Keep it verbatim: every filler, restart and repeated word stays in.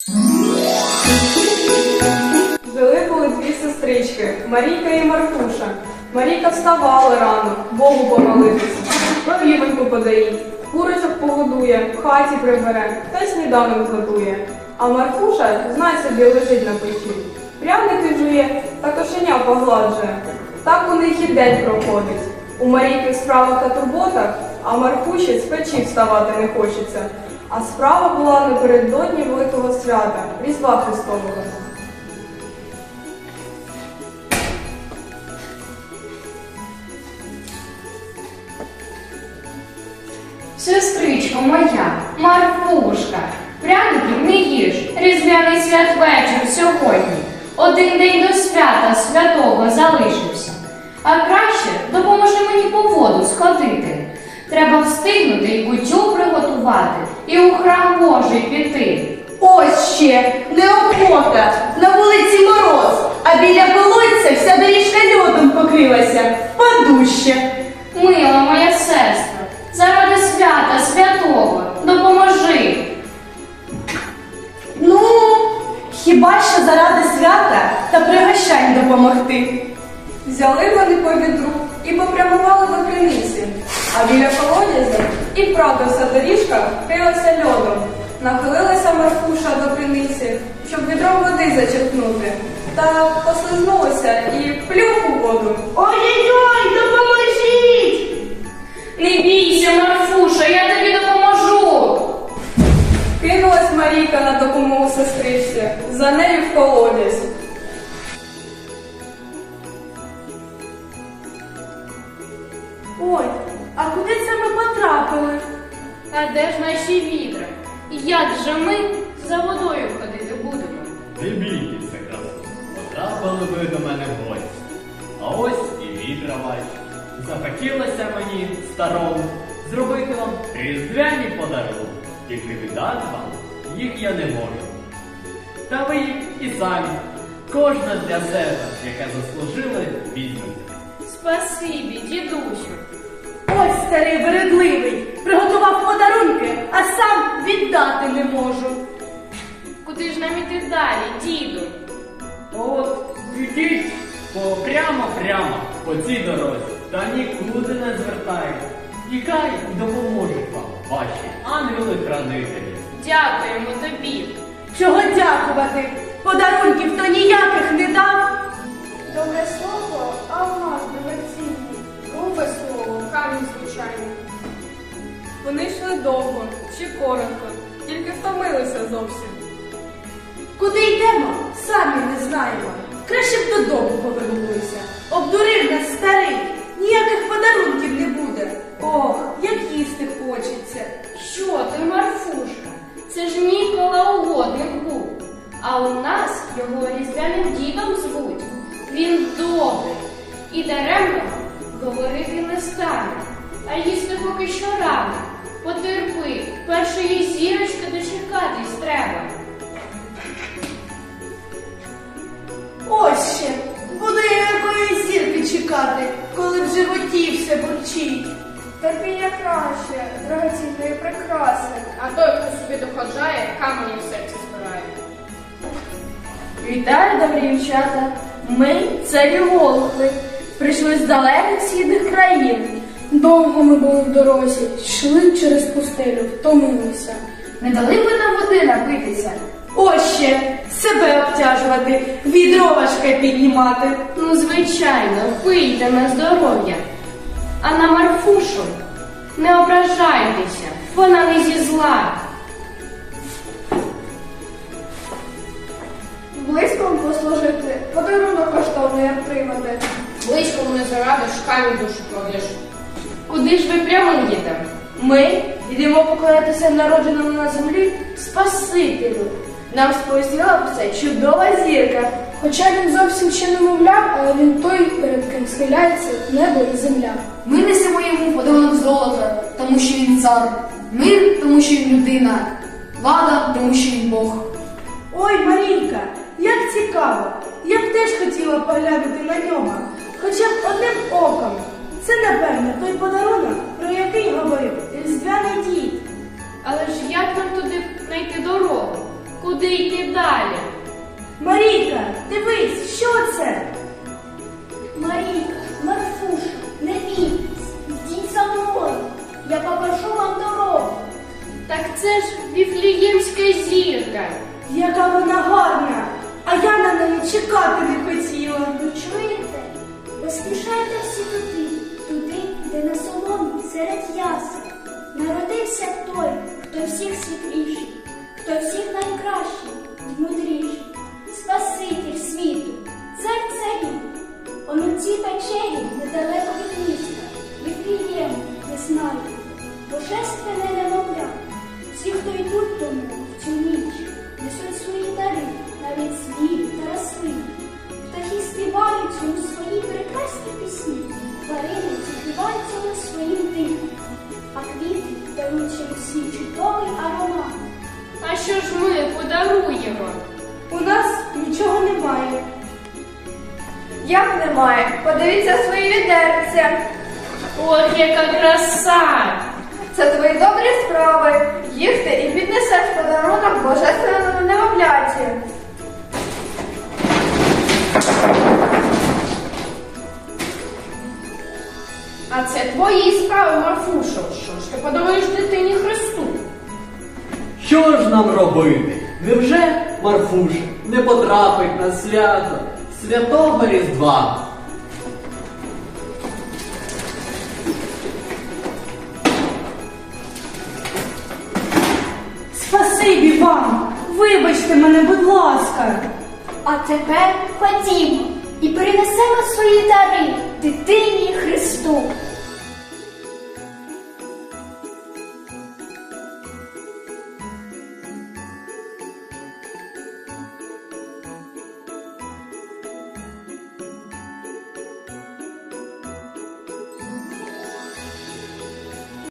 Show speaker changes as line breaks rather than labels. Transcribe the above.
Жили були дві сестрички – Марійка і Марфуша. Марійка вставала рано, Богу помолитися, корівоньку подоїть, курочок погодує, в хаті прибере та й сніданок готує. А Марфуша, знай собі, лежить на печі. Пряники жує та кошеня погладжує. Так у них і день проходить. У Марійки в справах та турботах, а Марфуші з печі вставати не хочеться. А справа була напередодні Великого свята – Різдва Христового.
Сестричко моя, Марфушка, пряників не їж, різдвяний святвечір сьогодні. Один день до свята святого залишився. А краще допоможи мені по воду сходити. Треба встигнути і кутю приготувати, і у храм Божий піти.
Ось ще, неохота, на вулиці мороз, а біля колодця вся доріжка льодом покрилася, впаду ще.
Мила моя сестра, заради свята святого допоможи.
Ну, хіба що заради свята та пригощань допомогти.
Взяли вони по відру і попрямували до криниці. А біля колодязя і правда вся доріжка вкрилася льодом. Нахилилася Марфуша до криниці, щоб відром води зачерпнути. Та послизнулася і плюх у воду.
Ой-ой-ой, допоможіть!
Не бійся, Марфуша, я тобі допоможу.
Кинулась Марійка на допомогу сестричці, за нею в колодязь.
Ой, а куди це ми потрапили?
А де ж наші відра? Як же ми за водою ходити будемо?
Не бійтеся, красу, потрапили ви до мене в гості. А ось і відра ваші. Захотілося мені, старому, зробити вам різдвяні подарунки. Тільки віддати вам їх я не можу. Та ви їх і самі, кожна для себе, яка заслужили, візьмете.
Спасибі, дідусю.
Ось старий вередливий, приготував подарунки, а сам віддати не можу.
Куди ж нам іти далі, діду?
От, ідіть по прямо-прямо по цій дорозі, та нікуди не звертайте. І хай допоможуть вам ваші ангели-хранителі.
Дякуємо тобі.
Чого дякувати? Подарунків то ніяких не дав.
Добре слово, а у нас дорогоцінні. Грубе слово, камінь звичайний.
Вони йшли довго чи коротко, тільки втомилися зовсім.
Куди йдемо, самі не знаємо. Краще б додому повернулися. Обдурив нас старий, ніяких подарунків не буде. Ох, як їсти хочеться.
Що ти, Марфушка? Це ж Нікола Угодник був. А у нас його різдвяним дідом звуть. Він добрий і даремно говорити не стане. А їсти поки що рано. Потерпи, першої зірочки дочекатись треба.
Ось ще, буду я якої зірки чекати, коли в животі все бурчить.
Терпіння краще, дорогоцінної прикраси, а той, хто собі доходжає, камені в серці збирає.
Вітаю, добрі дівчата. Ми царі Волхви. Прийшли з далеких східних країн.
Довго ми були в дорозі, йшли через пустелю, втомилися.
Не дали б нам води напитися?
Ось ще, себе обтяжувати, відро важке піднімати.
Ну, звичайно, пийте на здоров'я. А на Марфушу не ображайтеся, вона не зі зла.
Близьком послужити, подарунок коштовний отримати. Близькому не зарадиш, камінь душу кладеш.
Куди ж ви прямуєте?
Ми йдемо поклонятися народженому на землі Спасителю. Нам сповістила про це чудова зірка.
Хоча він зовсім ще не мовляв, але він той, перед ким схиляється небо і земля.
Ми несемо йому подарунок золота, тому що він цар, мир, тому що він людина, влада, тому що він Бог.
Ой, Марійка, як цікаво. Я б теж хотіла поглянути на нього, хоча б одним оком. Це, напевно, той подарунок, про який говорив різдвяний дід.
Але ж як нам туди знайти дорогу? Куди йти далі?
Марійка, дивись, що це?
Марійка, Марфуша, не бійтесь, йдіть за мною, я покажу вам дорогу.
Так це ж Віфліємська зірка.
Яка вона гарна, а я на неї чекати не хотіла.
Ви чуєте? Поспішайте всі туди, туди, де на соломі серед ясел народився той, хто всіх світліший, хто всіх найкращий і мудріший, Спаситель світу, цар царів. Он у цій печері недалеко від міста, Віфлієм, не знаю, божественне немовля. Всі, хто йдуть тому в цю ніч, несуть свої дари, навіть звірі та рослини. Птахи співають йому свої прекрасні пісні, тварини співають йому своїм дихом, а квіти дарують йому свій чудовий аромат.
А що ж ми подаруємо?
У нас нічого немає.
Як немає? Подивіться свої відерця.
От яка краса!
Це твої добрі справи. Їх ти і піднесеш подарунок божественному немовляті.
А це твої справи, Марфушо. Що ж ти подаруєш дитині Христу?
Що ж нам робити? Невже Марфуша не потрапить на свято Святого Різдва?
Спасибі вам! Вибачте мене, будь ласка.
А тепер ходімо і перенесемо свої дари дитині Христу.